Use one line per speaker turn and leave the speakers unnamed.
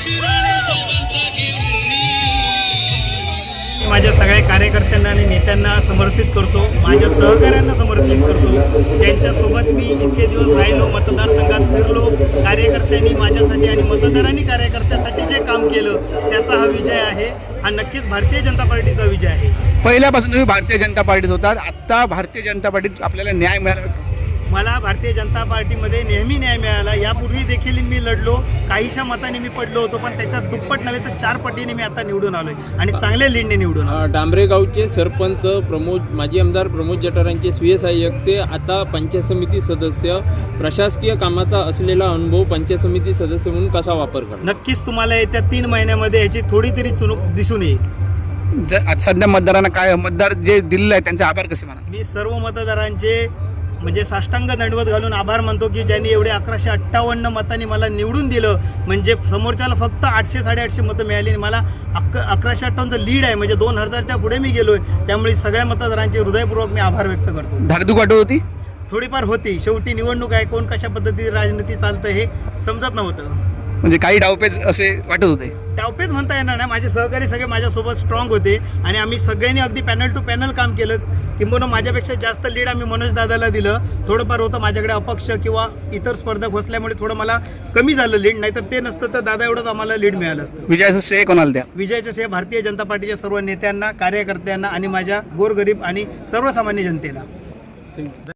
माझ्या सगळ्या कार्यकर्त्यांना आणि नेत्यांना समर्पित करतो, माझ्या सहकाऱ्यांना समर्पित करतो, त्यांच्यासोबत मी इतके दिवस राहिलो, मतदारसंघात फिरलो, कार्यकर्त्यांनी माझ्यासाठी आणि मतदारांनी कार्यकर्त्यासाठी जे काम केलं त्याचा हा विजय आहे. हा नक्कीच भारतीय जनता पार्टीचा विजय आहे.
पहिल्यापासून तुम्ही भारतीय जनता पार्टीत होतात, आत्ता भारतीय जनता पार्टीत आपल्याला न्याय मिळाला.
मला भारतीय जनता पार्टीमध्ये नेहमी न्याय मिळाला. यापूर्वी देखील मी लढलो, काहीशा मताने मी पडलो होतो, पण त्याच्यात दुप्पट नव्हे तर 4 पटीने मी आता निवडून आलोय आणि चांगल्या लीडने निवडून आलो.
डांबरे गावचे सरपंच माजी आमदार प्रमोद जठारांचे स्वीय सहाय्यक ते आता पंचायत समिती सदस्य, प्रशासकीय कामाचा असलेला अनुभव पंचायत समिती सदस्य म्हणून कसा वापर करणार?
नक्कीच तुम्हाला येत्या 3 महिन्यामध्ये याची थोडी तरी चुणूक दिसून येईल.
सध्या मतदारांना काय मतदार जे दिलेलं आहे त्यांचे आभार कसे म्हणा?
मी सर्व मतदारांचे म्हणजे साष्टांग दंडवत घालून आभार मानतो की ज्यांनी एवढे 1158 मतांनी मला निवडून दिलं. म्हणजे समोरच्याला फक्त 800-850 मतं मिळाली आणि मला 1158चं लीड आहे, म्हणजे 2000च्या पुढे मी गेलोय. त्यामुळे सगळ्या मतदारांचे हृदयपूर्वक मी आभार व्यक्त करतो.
धाकधूक वाटत होती?
थोडीफार होती, शेवटी निवडणूक आहे, कोण कशा पद्धतीने राजनीती चालतं हे समजत नव्हतं.
म्हणजे काही डावपेच असे वाटत होते?
डावपेच म्हणता येणार नाही, माझे सहकारी सगळे माझ्यासोबत स्ट्रॉंग होते आणि आम्ही सगळ्यांनी अगदी पॅनल टू पॅनल काम केलं. किंबहुना माझ्यापेक्षा जास्त लीड आम्ही मनोज दादाला दिलं. थोडंफार होतं माझ्याकडे अपक्ष किंवा इतर स्पर्धक असल्यामुळे थोडं मला कमी झालं लीड, नाहीतर ते नसतं तर दादा एवढंच आम्हाला लीड मिळालं असतं.
विजयाचं श्रेय कोणाला द्या?
विजयाचं श्रेय भारतीय जनता पार्टीच्या सर्व नेत्यांना, कार्यकर्त्यांना आणि माझ्या गोरगरीब आणि सर्वसामान्य जनतेला.